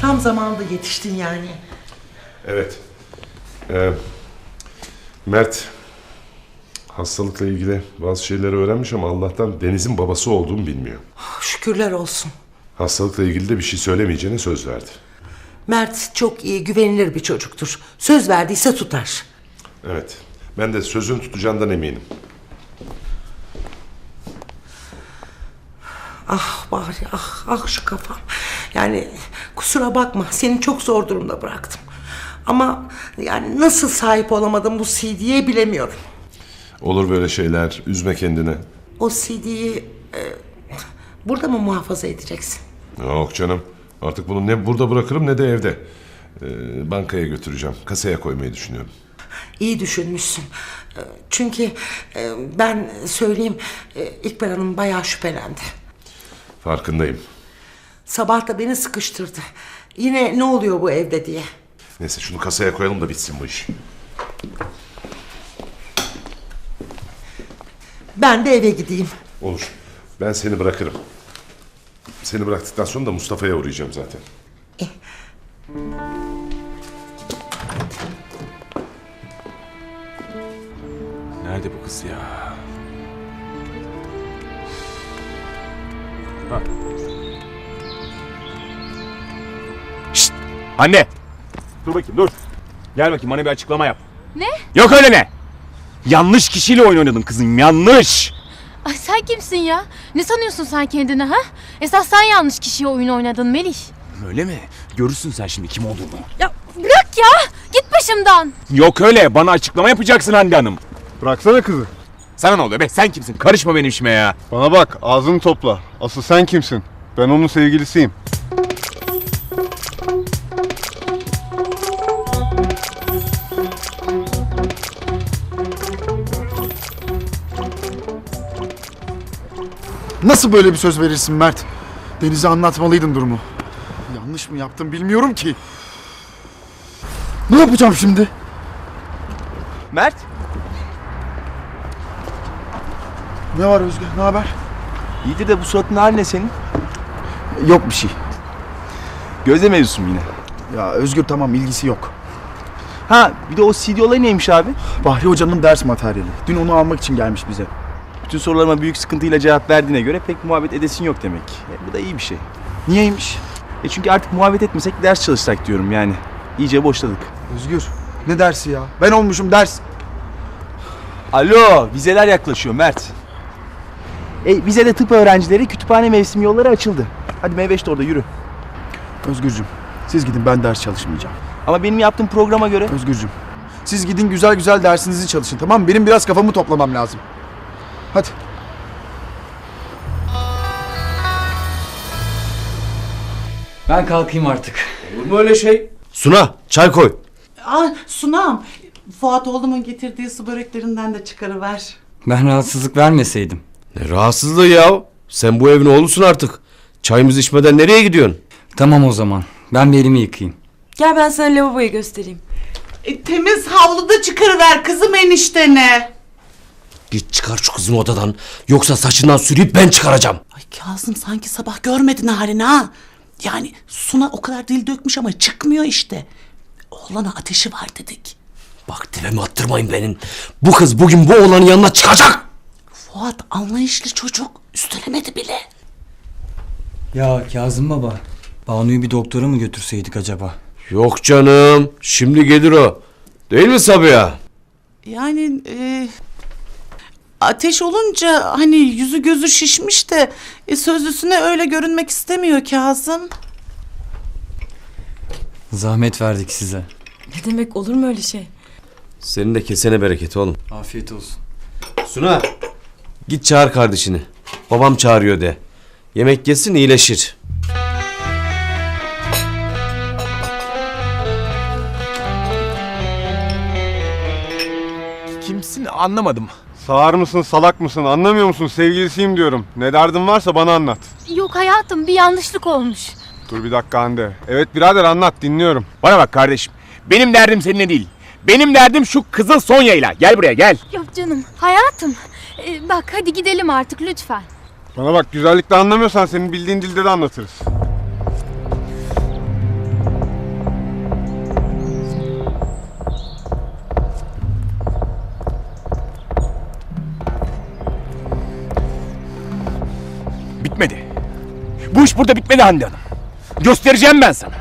Tam zamanında yetiştin yani. Evet. Mert hastalıkla ilgili bazı şeyleri öğrenmiş ama Allah'tan Deniz'in babası olduğumu bilmiyor. Şükürler olsun. Hastalıkla ilgili de bir şey söylemeyeceğine söz verdi. Mert çok iyi, güvenilir bir çocuktur. Söz verdiyse tutar. Evet. Ben de sözünü tutacağından eminim. Ah bari, ah şu kafam. Yani kusura bakma, seni çok zor durumda bıraktım. Ama yani nasıl sahip olamadım bu CD'ye bilemiyorum. Olur böyle şeyler. Üzme kendini. O CD'yi burada mı muhafaza edeceksin? Yok canım. Artık bunu ne burada bırakırım ne de evde. Bankaya götüreceğim. Kasaya koymayı düşünüyorum. İyi düşünmüşsün. Çünkü ben söyleyeyim, İkbal Hanım bayağı şüphelendi. Farkındayım. Sabah da beni sıkıştırdı. Yine ne oluyor bu evde diye. Neyse şunu kasaya koyalım da bitsin bu iş. Ben de eve gideyim. Olur. Ben seni bırakırım. Seni bıraktıktan sonra da Mustafa'ya uğrayacağım zaten. Nerede bu kız ya? Şşt! Anne! Dur bakayım dur. Gel bakayım bana bir açıklama yap. Ne? Yok öyle ne? Yanlış kişiyle oyun oynadın kızım, yanlış. Ay sen kimsin ya? Ne sanıyorsun sen kendine ha? Esas sen yanlış kişiye oyun oynadın Melih. Öyle mi? Görürsün sen şimdi kim olduğunu. Ya bırak ya! Git başımdan! Yok öyle, bana açıklama yapacaksın Hande Hanım. Bıraksana kızı. Sana ne oluyor be? Sen kimsin? Karışma benim işime ya. Bana bak, ağzını topla. Asıl sen kimsin? Ben onun sevgilisiyim. Nasıl böyle bir söz verirsin Mert? Deniz'e anlatmalıydın durumu. Yanlış mı yaptım bilmiyorum ki. Ne yapacağım şimdi? Mert? Ne var Özge? Ne haber? İyidir de bu suratın hali ne senin? Yok bir şey. Gözde mevzusu mu yine? Ya Özgür tamam, ilgisi yok. Ha bir de o CD olayı neymiş abi? Bahri Hoca'nın ders materyali. Dün onu almak için gelmiş bize. Bütün sorularıma büyük sıkıntıyla cevap verdiğine göre pek muhabbet edesin yok demek. Bu da iyi bir şey. Niyeymiş? Çünkü artık muhabbet etmesek ders çalışsak diyorum yani. İyice boşladık. Özgür, ne dersi ya? Ben olmuşum ders. Alo, vizeler yaklaşıyor Mert. Vizede tıp öğrencileri kütüphane mevsim yolları açıldı. Hadi M5'te orada yürü. Özgürcüm, siz gidin, ben ders çalışmayacağım. Ama benim yaptığım programa göre... Özgürcüm, siz gidin güzel güzel dersinizi çalışın, tamam mı? Benim biraz kafamı toplamam lazım. Hadi. Ben kalkayım artık. Olur mu öyle şey? Suna, çay koy. Sunam, Fuat oğlumun getirdiği su böreklerinden de çıkarıver. Ben rahatsızlık vermeseydim. Ne rahatsızlığı ya? Sen bu evin oğlusun artık. Çayımızı içmeden nereye gidiyorsun? Tamam o zaman. Ben bir elimi yıkayayım. Gel ben sana lavaboyu göstereyim. Temiz havluda çıkarıver kızım eniştene. Git çıkar şu kızın odadan. Yoksa saçından sürüyüp ben çıkaracağım. Ay Kazım, sanki sabah görmedin halini ha. Yani Suna o kadar dil dökmüş ama çıkmıyor işte. Oğlana ateşi var dedik. Bak tepemi attırmayın benim. Bu kız bugün bu oğlanın yanına çıkacak. Fuat anlayışlı çocuk, üstelemedi bile. Ya Kazım baba, Banu'yu bir doktora mı götürseydik acaba? Yok canım. Şimdi gelir o. Değil mi Sabiha? Yani ateş olunca hani yüzü gözü şişmiş de sözlüsüne öyle görünmek istemiyor Kazım. Zahmet verdik size. Ne demek, olur mu öyle şey? Senin de kesene bereket oğlum. Afiyet olsun. Suna. Git çağır kardeşini. Babam çağırıyor de. Yemek yesin iyileşir. Kimsin anlamadım. Sağır mısın, salak mısın? Anlamıyor musun? Sevgilisiyim diyorum. Ne derdin varsa bana anlat. Yok hayatım, bir yanlışlık olmuş. Dur bir dakika Hande. Evet birader, anlat, dinliyorum. Bana bak kardeşim. Benim derdim seninle değil. Benim derdim şu kızıl Sonya'yla. Gel buraya gel. Yok canım, hayatım. Bak hadi gidelim artık lütfen. Bana bak, güzellikle anlamıyorsan senin bildiğin dilde de anlatırız. iş burada bitmedi Hande Hanım. Göstereceğim ben sana.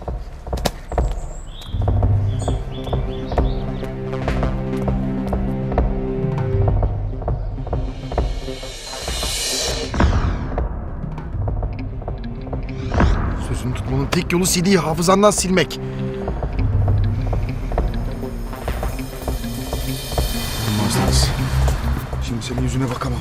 Sözünü tutmanın tek yolu CD'yi hafızandan silmek. Olmaz. Şimdi senin yüzüne bakamam.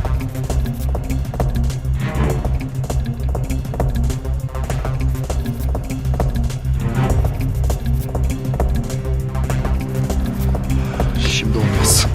Şimdi olmaz.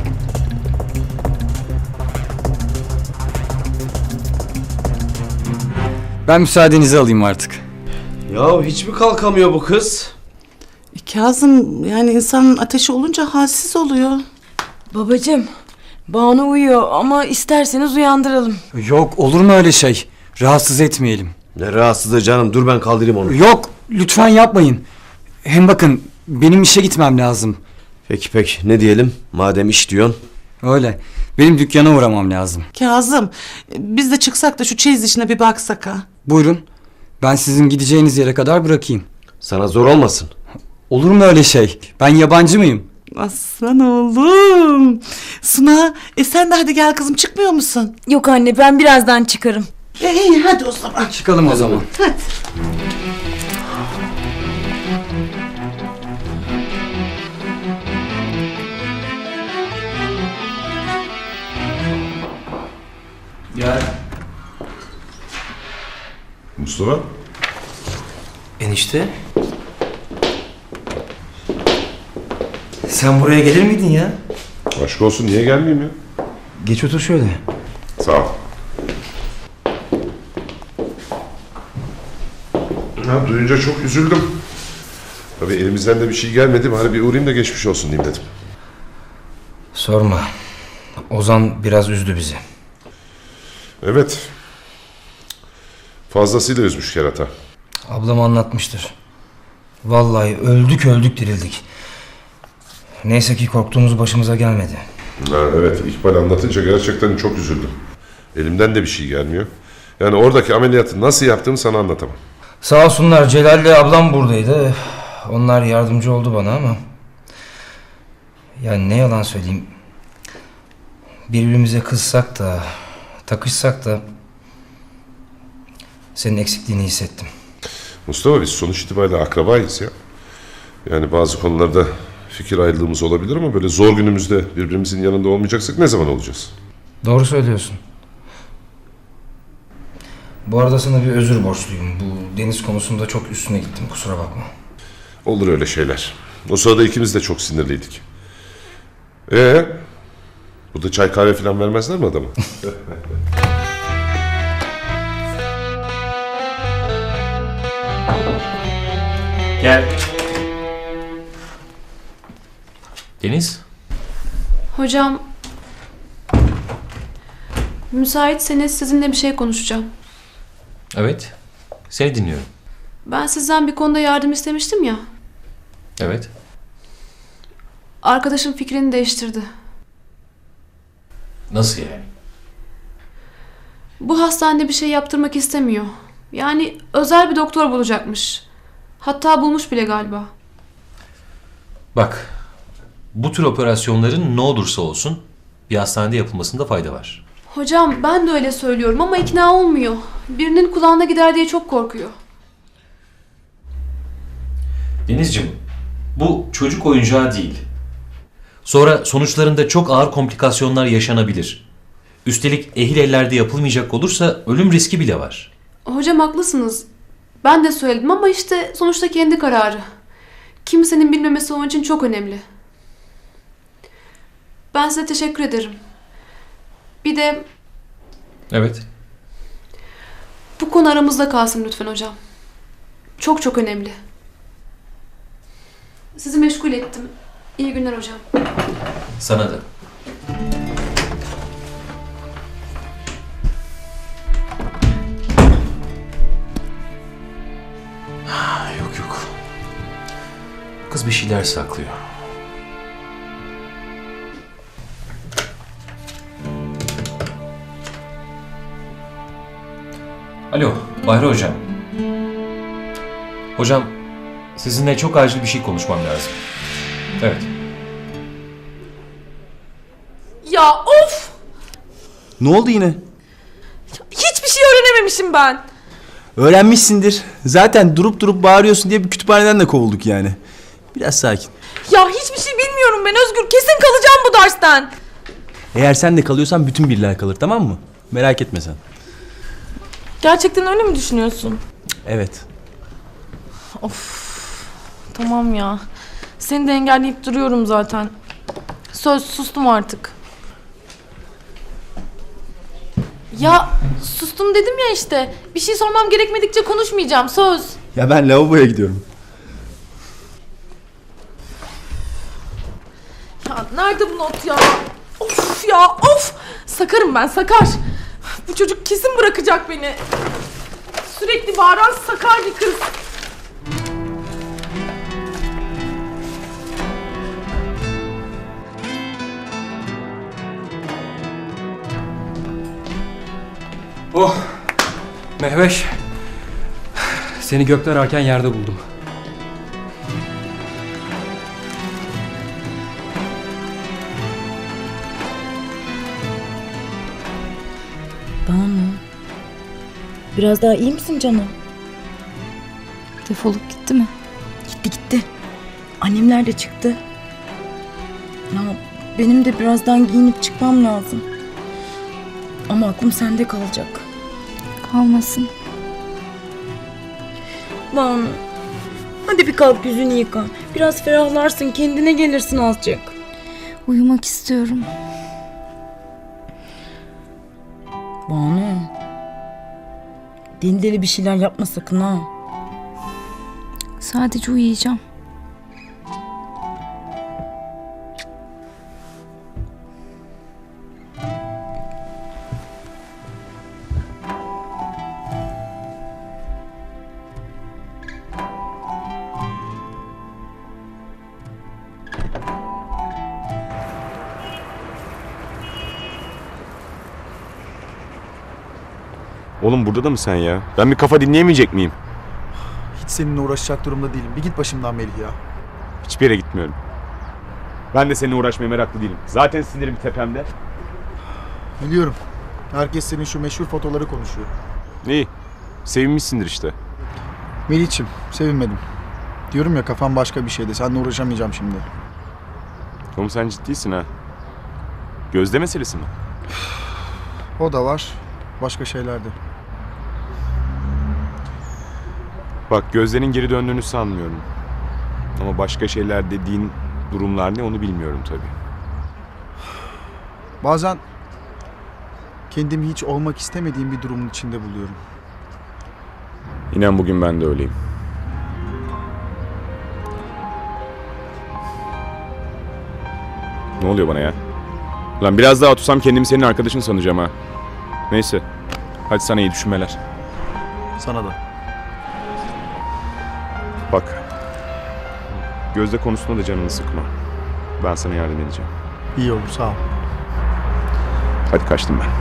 Ben müsaadenizi alayım artık. Ya hiç mi kalkamıyor bu kız? Kazım, yani insanın ateşi olunca halsiz oluyor. Babacığım, Banu uyuyor ama isterseniz uyandıralım. Yok, olur mu öyle şey? Rahatsız etmeyelim. Ne rahatsızlığı canım, dur ben kaldırayım onu. Yok, lütfen yapmayın. Hem bakın, benim işe gitmem lazım. Peki ne diyelim madem iş diyorsun. Öyle. Benim dükkana uğramam lazım. Kazım, biz de çıksak da şu çeyiz işine bir baksak ha. Buyurun. Ben sizin gideceğiniz yere kadar bırakayım. Sana zor olmasın. Olur mu öyle şey? Ben yabancı mıyım? Aslan oğlum. Suna, sen de hadi gel kızım, çıkmıyor musun? Yok anne, ben birazdan çıkarım. İyi hadi o zaman. Çıkalım o zaman. Hadi. Gel. Mustafa? Enişte. Sen buraya gelir miydin ya? Aşk olsun, niye gelmeyeyim ya? Geç otur şöyle. Sağ ol. Ya, duyunca çok üzüldüm. Tabii elimizden de bir şey gelmedi. Bari bir uğrayayım da geçmiş olsun diyeyim dedim. Sorma. Ozan biraz üzdü bizi. Evet. Fazlasıyla üzmüş kerata. Ablam anlatmıştır. Vallahi öldük dirildik. Neyse ki korktuğumuz başımıza gelmedi. Ha, evet, İkbal anlatınca gerçekten çok üzüldüm. Elimden de bir şey gelmiyor. Yani oradaki ameliyatı nasıl yaptığımı sana anlatamam. Sağ olsunlar, Celal'le ablam buradaydı. Onlar yardımcı oldu bana ama... Yani ne yalan söyleyeyim. Birbirimize kızsak da, takışsak da... Senin eksikliğini hissettim. Mustafa, biz sonuç itibariyle akrabayız ya. Yani bazı konularda fikir ayrılığımız olabilir ama böyle zor günümüzde birbirimizin yanında olmayacaksak ne zaman olacağız? Doğru söylüyorsun. Bu arada sana bir özür borçluyum. Bu deniz konusunda çok üstüne gittim, kusura bakma. Olur öyle şeyler. O sırada ikimiz de çok sinirliydik. Burada çay kahve falan vermezler mi adama? Gel. Deniz. Hocam, müsaitseniz sizinle bir şey konuşacağım. Evet. Seni dinliyorum. Ben sizden bir konuda yardım istemiştim ya. Evet. Arkadaşım fikrini değiştirdi. Nasıl yani? Bu hastanede bir şey yaptırmak istemiyor. Yani özel bir doktor bulacakmış. Hatta bulmuş bile galiba. Bak. Bu tür operasyonların ne olursa olsun bir hastanede yapılmasında fayda var. Hocam ben de öyle söylüyorum ama ikna olmuyor. Birinin kulağına gider diye çok korkuyor. Denizciğim, bu çocuk oyuncağı değil. Sonra sonuçlarında çok ağır komplikasyonlar yaşanabilir. Üstelik ehil ellerde yapılmayacak olursa ölüm riski bile var. Hocam haklısınız. Ben de söyledim ama işte sonuçta kendi kararı. Kimsenin bilmemesi onun için çok önemli. Ben size teşekkür ederim. Bir de Evet. bu konu aramızda kalsın lütfen hocam. Çok çok önemli. Sizi meşgul ettim. İyi günler hocam. Sana da. Yok. Kız bir şeyler saklıyor. Alo. Bahri Hocam. Hocam, sizinle çok acil bir şey konuşmam lazım. Evet. Ya of! Ne oldu yine? Hiçbir şey öğrenememişim ben. Öğrenmişsindir. Zaten durup bağırıyorsun diye bir kütüphaneden de kovulduk yani. Biraz sakin. Ya hiçbir şey bilmiyorum ben Özgür. Kesin kalacağım bu dersten. Eğer sen de kalıyorsan bütün birler kalır, tamam mı? Merak etme sen. Gerçekten öyle mi düşünüyorsun? Evet. Tamam ya. Seni de engelleyip duruyorum zaten. Söz, sustum artık. Ya sustum dedim ya işte. Bir şey sormam gerekmedikçe konuşmayacağım, söz. Ya ben lavaboya gidiyorum. Ya nerede bu not ya? Of ya of! Sakarım ben, sakar. Bu çocuk kesin bırakacak beni. Sürekli bağıran sakar bir kız. Oh! Mehveş. Seni gökten ararken yerde buldum. Banu. Biraz daha iyi misin canım? Defolup gitti mi? Gitti. Annemler de çıktı. Ya benim de birazdan giyinip çıkmam lazım. Ama aklım sende kalacak. Kalmasın. Banu. Hadi bir kalk yüzünü yıka. Biraz ferahlarsın, kendine gelirsin azıcık. Uyumak istiyorum. Banu. Deli deli bir şeyler yapma sakın ha. Sadece uyuyacağım. Oğlum burada da mı sen ya? Ben bir kafa dinleyemeyecek miyim? Hiç seninle uğraşacak durumda değilim. Bir git başımdan Melih ya. Hiçbir yere gitmiyorum. Ben de seninle uğraşmaya meraklı değilim. Zaten sinirim tepemde. Biliyorum. Herkes senin şu meşhur fotoları konuşuyor. İyi. Sevinmişsindir işte. Melih'ciğim sevinmedim. Diyorum ya kafam başka bir şeydi. Seninle uğraşamayacağım şimdi. Oğlum sen ciddisin ha. Gözde meselesi mi? O da var. Başka şeyler de. Bak Gözde'nin geri döndüğünü sanmıyorum. Ama başka şeyler dediğin durumlar ne onu bilmiyorum tabii. Bazen kendimi hiç olmak istemediğim bir durumun içinde buluyorum. İnan bugün ben de öyleyim. Ne oluyor bana ya? Lan biraz daha otursam kendimi senin arkadaşın sanacağım ha. Neyse. Hadi sana iyi düşünmeler. Sana da. Bak. Gözde konusunda da canını sıkma. Ben sana yardım edeceğim. İyi olur sağ ol. Hadi kaçtım ben.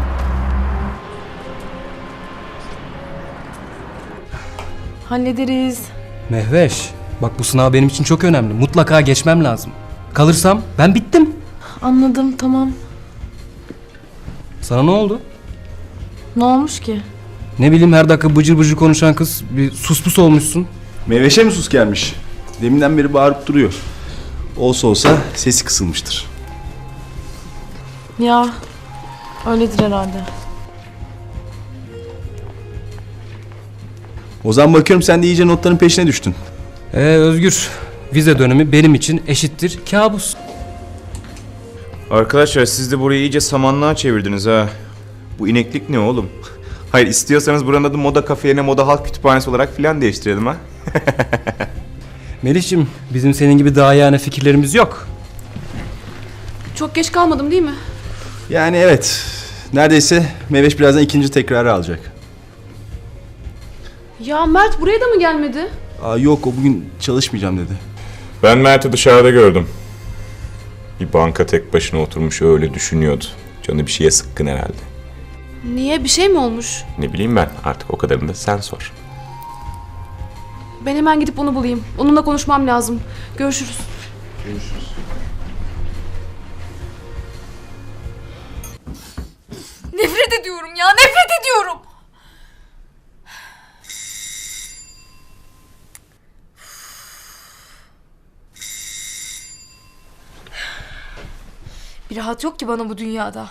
Hallederiz. Mehveş, bak bu sınav benim için çok önemli. Mutlaka geçmem lazım. Kalırsam ben bittim. Anladım, tamam. Sana ne oldu? Ne olmuş ki? Ne bileyim her dakika bıcır bıcır konuşan kız bir suspus olmuşsun. Meyveşe mi sus gelmiş? Deminden beri bağırıp duruyor. Olsa sesi kısılmıştır. Ya öyledir herhalde. Ozan bakıyorum sen de iyice notların peşine düştün. Özgür, vize dönemi benim için eşittir kabus. Arkadaşlar siz de burayı iyice samanlığa çevirdiniz ha. Bu ineklik ne oğlum? Hayır istiyorsanız buranın adı Moda Kafe yerine Moda Halk Kütüphanesi olarak filan değiştirelim ha. Melih'ciğim bizim senin gibi daha yani fikirlerimiz yok. Çok geç kalmadım değil mi? Yani evet. Neredeyse Meyveş birazdan ikinci tekrarı alacak. Ya Mert buraya da mı gelmedi? Yok o bugün çalışmayacağım dedi. Ben Mert'i dışarıda gördüm. Bir banka tek başına oturmuş öyle düşünüyordu. Canı bir şeye sıkkın herhalde. Niye? Bir şey mi olmuş? Ne bileyim ben, artık o kadarını da sen sor. Ben hemen gidip onu bulayım. Onunla konuşmam lazım. Görüşürüz. Nefret ediyorum ya, nefret ediyorum. Bir rahat yok ki bana bu dünyada.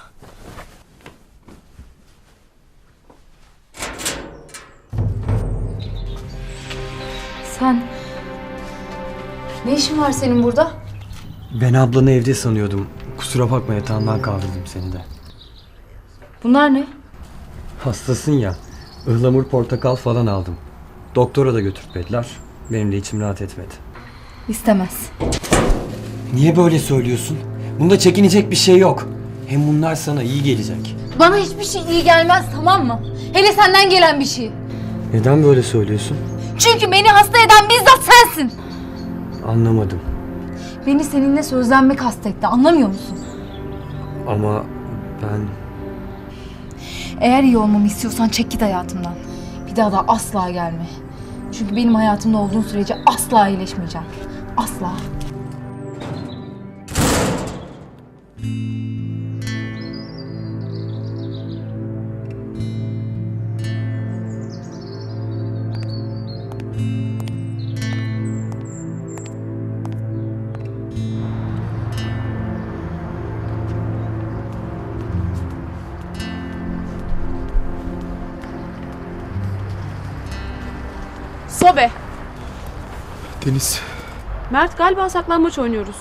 Sen... Ne işin var senin burada? Ben ablanı evde sanıyordum. Kusura bakma, yatağından kaldırdım seni de. Bunlar ne? Hastasın ya. Ihlamur, portakal falan aldım. Doktora da götürtmediler. Benim de içim rahat etmedi. İstemez. Niye böyle söylüyorsun? Bunda çekinecek bir şey yok. Hem bunlar sana iyi gelecek. Bana hiçbir şey iyi gelmez, tamam mı? Hele senden gelen bir şey. Neden böyle söylüyorsun? Çünkü beni hasta eden bizzat sensin. Anlamadım. Beni seninle sözlenmek hastetti, anlamıyor musun? Ama ben... Eğer iyi olmamı istiyorsan çek git hayatımdan. Bir daha da asla gelme. Çünkü benim hayatımda olduğun sürece asla iyileşmeyeceğim. Asla. Sobe. Deniz, Mert, galiba saklambaç oynuyoruz.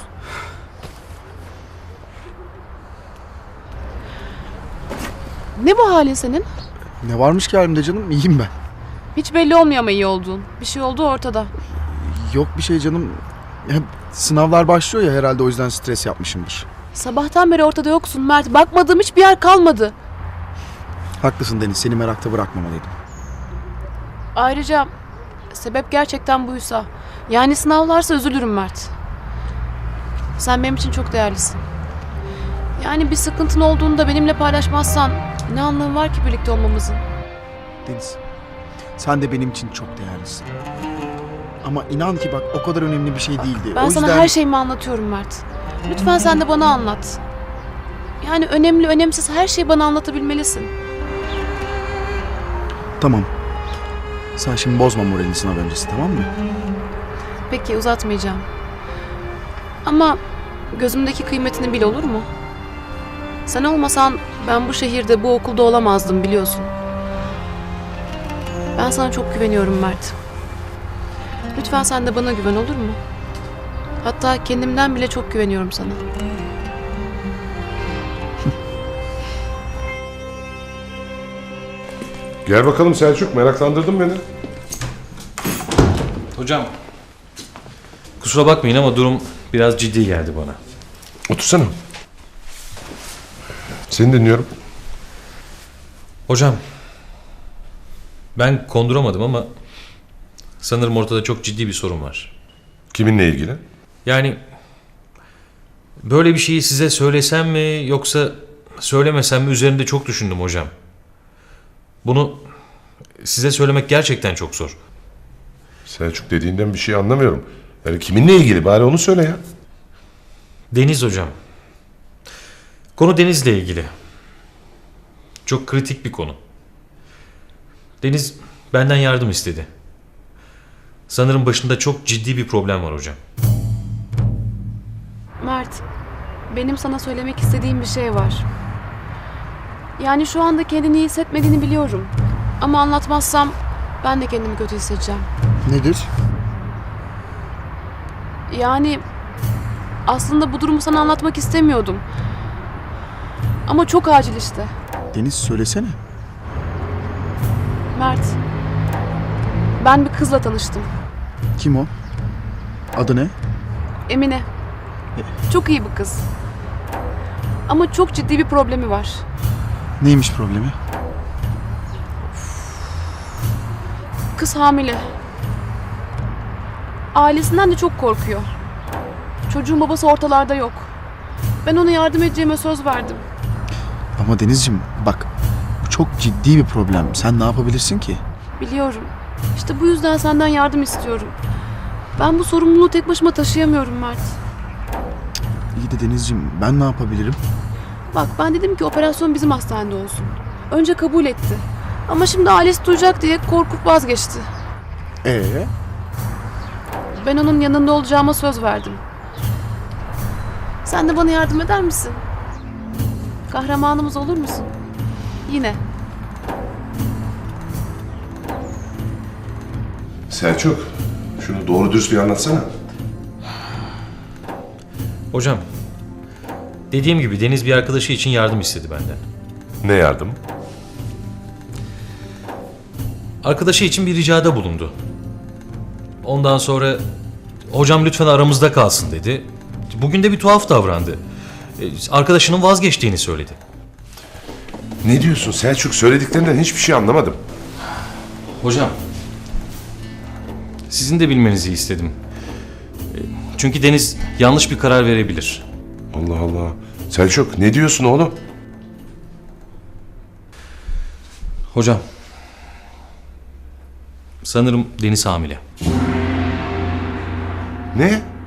Ne bu halin senin? ne varmış ki halimde canım? İyiyim ben. Hiç belli olmuyor ama iyi olduğun. Bir şey oldu ortada. Yok bir şey canım. Ya, sınavlar başlıyor ya, herhalde o yüzden stres yapmışımdır. Sabahtan beri ortada yoksun Mert. Bakmadığım hiçbir yer kalmadı. Haklısın Deniz, seni merakta bırakmamalıydım. Ayrıca sebep gerçekten buysa, yani sınavlarsa üzülürüm Mert. Sen benim için çok değerlisin. Yani bir sıkıntın olduğunda benimle paylaşmazsan ne anlamı var ki birlikte olmamızın? Deniz, sen de benim için çok değerlisin. Ama inan ki bak, o kadar önemli bir şey değildi. Ben o sana yüzden... her şeyimi anlatıyorum Mert. Lütfen sen de bana anlat. Yani önemli önemsiz her şeyi bana anlatabilmelisin. Tamam. Sen şimdi bozma moralini sınav öncesi, tamam mı? Peki, uzatmayacağım. Ama gözümdeki kıymetini bil, olur mu? Sen olmasan ben bu şehirde, bu okulda olamazdım, biliyorsun. Ben sana çok güveniyorum Mert. Lütfen sen de bana güven, olur mu? Hatta kendimden bile çok güveniyorum sana. Gel bakalım Selçuk, meraklandırdın beni. Hocam, kusura bakmayın ama durum biraz ciddi geldi bana. Otursana. Seni dinliyorum. Hocam, ben konduramadım ama sanırım ortada çok ciddi bir sorun var. Kiminle ilgili? Yani böyle bir şeyi size söylesem mi yoksa söylemesem mi üzerinde çok düşündüm hocam. Bunu size söylemek gerçekten çok zor. Selçuk, dediğinden bir şey anlamıyorum. Yani kiminle ilgili, bari onu söyle ya. Deniz hocam. Konu Deniz'le ilgili. Çok kritik bir konu. Deniz benden yardım istedi. Sanırım başında çok ciddi bir problem var hocam. Mert, benim sana söylemek istediğim bir şey var. Yani şu anda kendini iyi hissetmediğini biliyorum. Ama anlatmazsam ben de kendimi kötü hissedeceğim. Nedir? Yani aslında bu durumu sana anlatmak istemiyordum. Ama çok acil işte. Deniz, söylesene. Mert, ben bir kızla tanıştım. Kim o? Adı ne? Emine. Çok iyi bir kız. Ama çok ciddi bir problemi var. Neymiş problemi? Kız hamile. Ailesinden de çok korkuyor. Çocuğun babası ortalarda yok. Ben ona yardım edeceğime söz verdim. Ama Denizciğim bak, bu çok çok ciddi bir problem. Sen ne yapabilirsin ki? Biliyorum. İşte bu yüzden senden yardım istiyorum. Ben bu sorumluluğu tek başıma taşıyamıyorum Mert. İyi de Denizciğim, ben ne yapabilirim? Bak ben dedim ki operasyon bizim hastanede olsun. Önce kabul etti. Ama şimdi ailesi duyacak diye korkup vazgeçti. Ben onun yanında olacağıma söz verdim. Sen de bana yardım eder misin? Kahramanımız olur musun? Yine. Selçuk, şunu doğru dürüst bir anlatsana. Hocam, dediğim gibi Deniz bir arkadaşı için yardım istedi benden. Ne yardım? Arkadaşı için bir ricada bulundu. Ondan sonra hocam lütfen aramızda kalsın dedi. Bugün de bir tuhaf davrandı. Arkadaşının vazgeçtiğini söyledi. Ne diyorsun Selçuk? Söylediklerinden hiçbir şey anlamadım. Hocam, sizin de bilmenizi istedim. Çünkü Deniz yanlış bir karar verebilir. Allah Allah. Selçuk ne diyorsun oğlum? Hocam, sanırım Deniz hamile. Ne?